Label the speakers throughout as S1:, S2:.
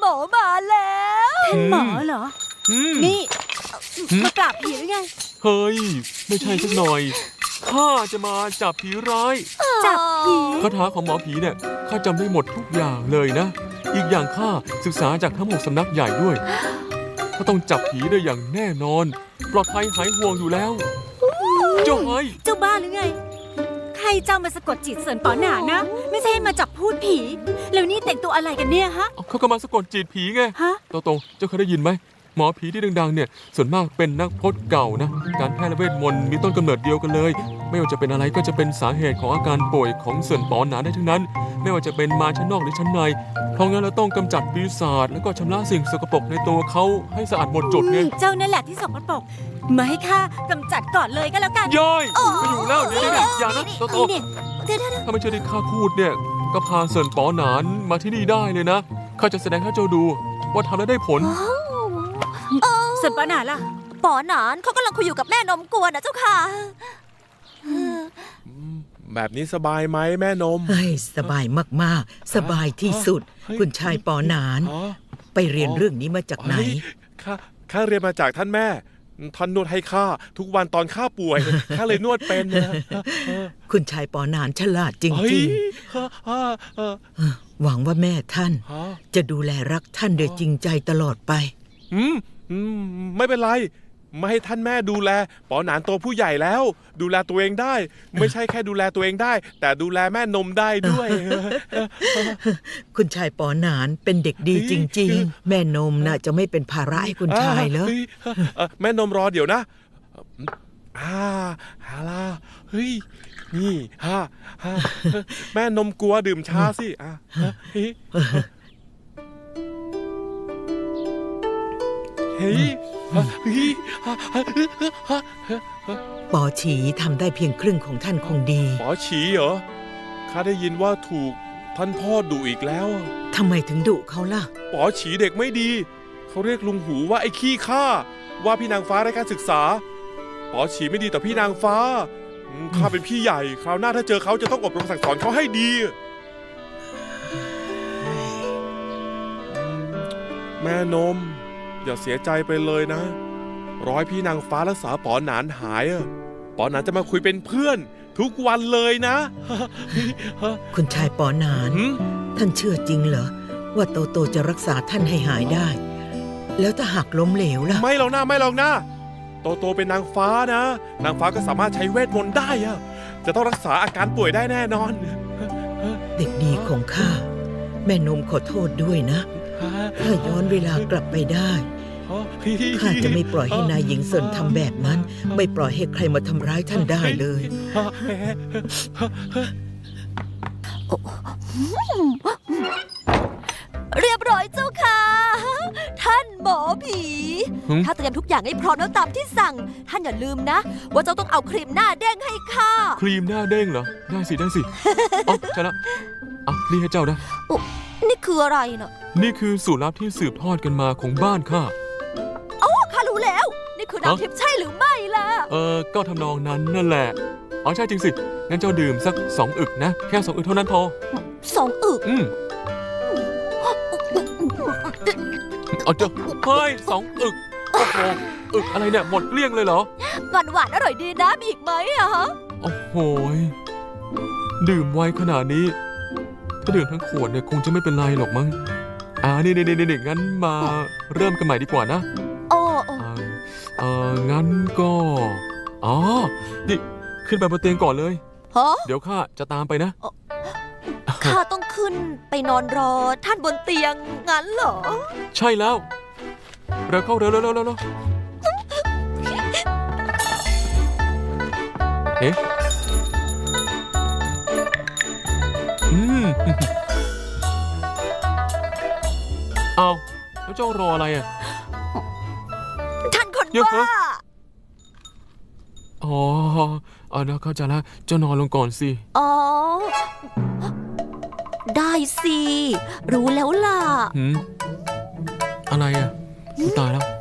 S1: หมอมาแล้ว
S2: ท่านหมอเหรอนี่มาปราบผีหรือไง
S3: เฮ้ยไม่ใช่สักหน่อยข้าจะมาจับผีร้าย
S2: จับผี
S3: คาถาของหมอผีเนี่ยข้าจำได้หมดทุกอย่างเลยนะอีกอย่างข้าศึกษาจากทั้ง6สำนักใหญ่ด้วยก็ต้องจับผีได้อย่างแน่นอนปลอดภัยหายห่วงอยู่แล้วเจ้า
S2: เจ้าบ้าหรือไงใครจะมาสะกดจิตเสินป๋อหนานะไม่ใช่มาจับพูดผีแล้วนี่แต่งตัวอะไรกันเนี่ยฮะ
S3: เขาก็มาสะกดจิตผีไง
S2: ฮะ
S3: โตเจ้าเคยได้ยินไหมหมอผีที่ดังๆเนี่ยส่วนมากเป็นนักพจน์เก่านะการแพทย์และเวทมนต์มีต้นกำเนิดเดียวกันเลยไม่ว่าจะเป็นอะไรก็จะเป็นสาเหตุของอาการป่วยของเสินป๋อหนาได้ทั้งนั้นไม่ว่าจะเป็นมาชั้นนอกหรือชั้นในเพราะงั้นเราต้องกำจัดปีศาจแล้วก็ชำระสิ่งสกปรกในตัวเขาให้สะอาดหมดจดไง
S2: เจ้านั่นแหละที่สกปรกมาให้ข้ากำจัดก่อนเลยก็แล้วกัน
S3: ย่อยไปอยู่แล้วเดี๋ยวอย่านะโตถ้าไม่เชื่อที่ข้าพูดเนี่ยก็พาเสินป๋อหนานมาที่นี่ได้เลยนะข้าจะแสดงให้เจ้าดูว่าทำแล้วได้ผล
S2: เสินป๋อหนานล่ะ
S1: ป๋อหนานเขากำลังคุยอยู่กับแม่นมกวนนะเจ้าค่ะ
S4: แบบนี้สบายไหมแม่นม
S5: เฮ้ยสบายมากๆสบายที่สุดคุณชายป๋อหนานไปเรียนเรื่องนี้มาจากไหน
S4: ข้าเรียนมาจากท่านแม่ท่านนวดให้ข้าทุกวันตอนข้าป่วยข้าเลยนวดเป็นนะ
S5: คุณชายป๋อหนานฉลาดจริงๆหวังว่าแม่ท่านจะดูแลรักท่านโดยจริงใจตลอดไป
S4: ไม่เป็นไรไม่ให้ท่านแม่ดูแลป๋อหนานโตผู้ใหญ่แล้วดูแลตัวเองได้ไม่ใช่แค่ดูแลตัวเองได้แต่ดูแลแม่นมได้ด้วย
S5: คุณชายป๋อหนานเป็นเด็กดีจริงๆแม่นมน่ะจะไม่เป็นภาระให้คุณชายเหรอ
S4: แม่นมรอเดี๋ยวนะฮาลาเฮ้ยนี่แม่นมกลัวดื่มชาสิเฮ้ย
S5: ป๋อฉีทำได้เพียงครึ่งของท่านคงดี
S4: ป๋อฉีเหรอข้าได้ยินว่าถูกท่านพ่อดุอีกแล้ว
S5: ทำไมถึงดุเขาล่ะ
S4: ป๋อฉีเด็กไม่ดีเขาเรียกลุงหูว่าไอ้ขี้ข้าว่าพี่นางฟ้าไร้การศึกษาป๋อฉีไม่ดีต่อพี่นางฟ้าข้าเป็นพี่ใหญ่คราวหน้าถ้าเจอเขาจะต้องอบรมสั่งสอนเขาให้ดีแม่นมอย่าเสียใจไปเลยนะร้อยพี่นางฟ้ารักษาป๋อหนานหายป๋อหนานจะมาคุยเป็นเพื่อนทุกวันเลยนะ
S5: คุณชายป๋อหนานท่านเชื่อจริงเหรอว่าโตจะรักษาท่านให้หายได้แล้วถ้าหากล้มเหลวล่ะ
S4: ไม่หรอกนะโตเป็นนางฟ้านะนางฟ้าก็สามารถใช้เวทมนต์ได้จะต้องรักษาอาการป่วยได้แน่นอน
S5: เด็กดีของข้าแม่นมขอโทษด้วยนะถ้าย้อนเวลากลับไปได้ข้าจะไม่ปล่อยให้นายหญิงเซินทำแบบนั้นไม่ปล่อยให้ใครมาทำร้ายท่านได้เลย
S1: เรียบร้อยเจ้าค่ะท่านหมอผีถ้าเตรียมทุกอย่างให้พร้อมแล้วตามที่สั่งท่านอย่าลืมนะว่าเจ้าต้องเอาครีมหน้าเด้งให้ข้า
S3: ครีมหน้าเด้งเหรอได้สิอ๋อใช่แล้วนี่ให้เจ้านะ
S1: นี่คืออะไรน่ะ
S3: นี่คือสูตรลับที่สืบทอดกันมาของบ้านข้า
S1: ข้ารู้แล้วนี่คือน้ำทิพย์ใช่หรือไม่ล่ะ
S3: ก็ทำนองนั้นนั่นแหละอ๋อใช่จริงสิงั้นเจ้าดื่มสัก2 อึกนะแค่2 อึกเท่านั้นพอ
S1: 2 อึก
S3: เอาเจ้าเฮ้ย2 อึกโอ้โหอึกอะไรเนี่ยหมดเกลี้ยงเลยเหรอ
S1: หวานอร่อยดีนะมีอีกไหม
S3: โอ้โหดื่มไวขนาดนี้ถ้าดื่มทั้งขวดเนี่ยคงจะไม่เป็นไรหรอกมั้งนี่งั้นมาเริ่มกันใหม่ดีกว่านะงั้นก็นี่ขึ้นไปบนเตียงก่อนเลยเดี๋ยวข้าจะตามไปนะ
S1: ข้าต้องขึ้นไปนอนรอท่านบนเตียงงั้นเหรอ
S3: ใช่แล้วเร็วเข้าเร็วเอ๊ะเอาแล้วเจ้ารออะไร
S1: ท่านคนบ้า
S3: นะเข้าใจแล้วเจ้านอนลงก่อนสิ
S1: ได้สิรู้แล้วล่ะ
S3: อะไรตายแล้ว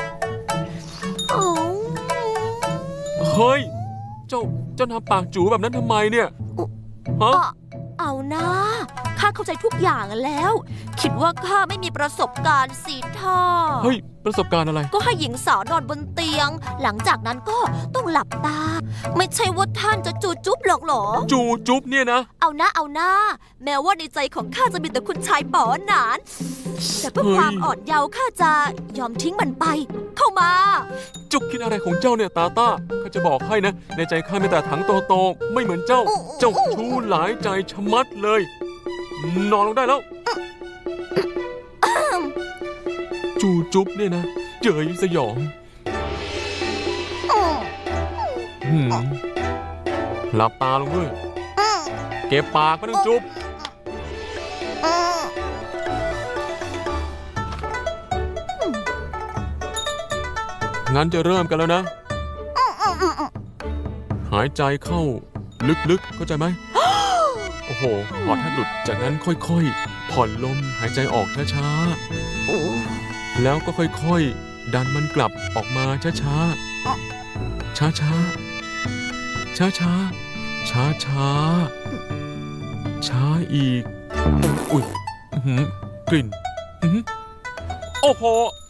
S3: เฮ้ยเจ้าทำปากจู๋แบบนั้นทำไมเนี่ย
S1: เอานะขข้าเข้าใจทุกอย่างแล้ว คิดว่าข้าไม่มีประสบการณ์สิท่า
S3: เฮ้ย ประสบการณ์อะไร
S1: ก็ให้หญิงสาวนอนบนเตียง หลังจากนั้นก็ต้องหลับตา ไม่ใช่ว่าท่านจะจูจุ๊บหรอกเหรอ
S3: จูจุ๊บเนี่ยนะ
S1: เอาหน้าเอาหน้า แม้ว่าในใจของข้าจะมีแต่คุณชายป๋อหนาน แต่เพื่อ
S3: เฮ้ย
S1: ความอ่อนเยาว์ข้าจะยอมทิ้งมันไป เข้ามา
S3: จุกคิดอะไรของเจ้าเนี่ยตาต้าข้าจะบอกให้นะ ในใจข้ามีแต่ถังโตๆไม่เหมือนเจ้า เจ้าชู้หลายใจชะมัดเลย นอนลงได้แล้ว จูจุ๊บเนี่ยนะเจยสยองหืมหลับตาลงด้วย เก็บปากไม่ต้องจุ๊บ งั้นจะเริ่มกันแล้วนะ หายใจเข้าลึกๆ เข้าใจไหม โอ้โหพอถ้าหลุดจากนั้นค่อยๆ ผ่อนลมหายใจออกช้าๆ แล้วก็ค่อยๆ ดันมันกลับออกมาช้าๆ ช้าๆ ช้าๆ ช้าๆ ช้าอีก อุ๊ยอื้อหือกลิ่นอื้อหือโอ้โห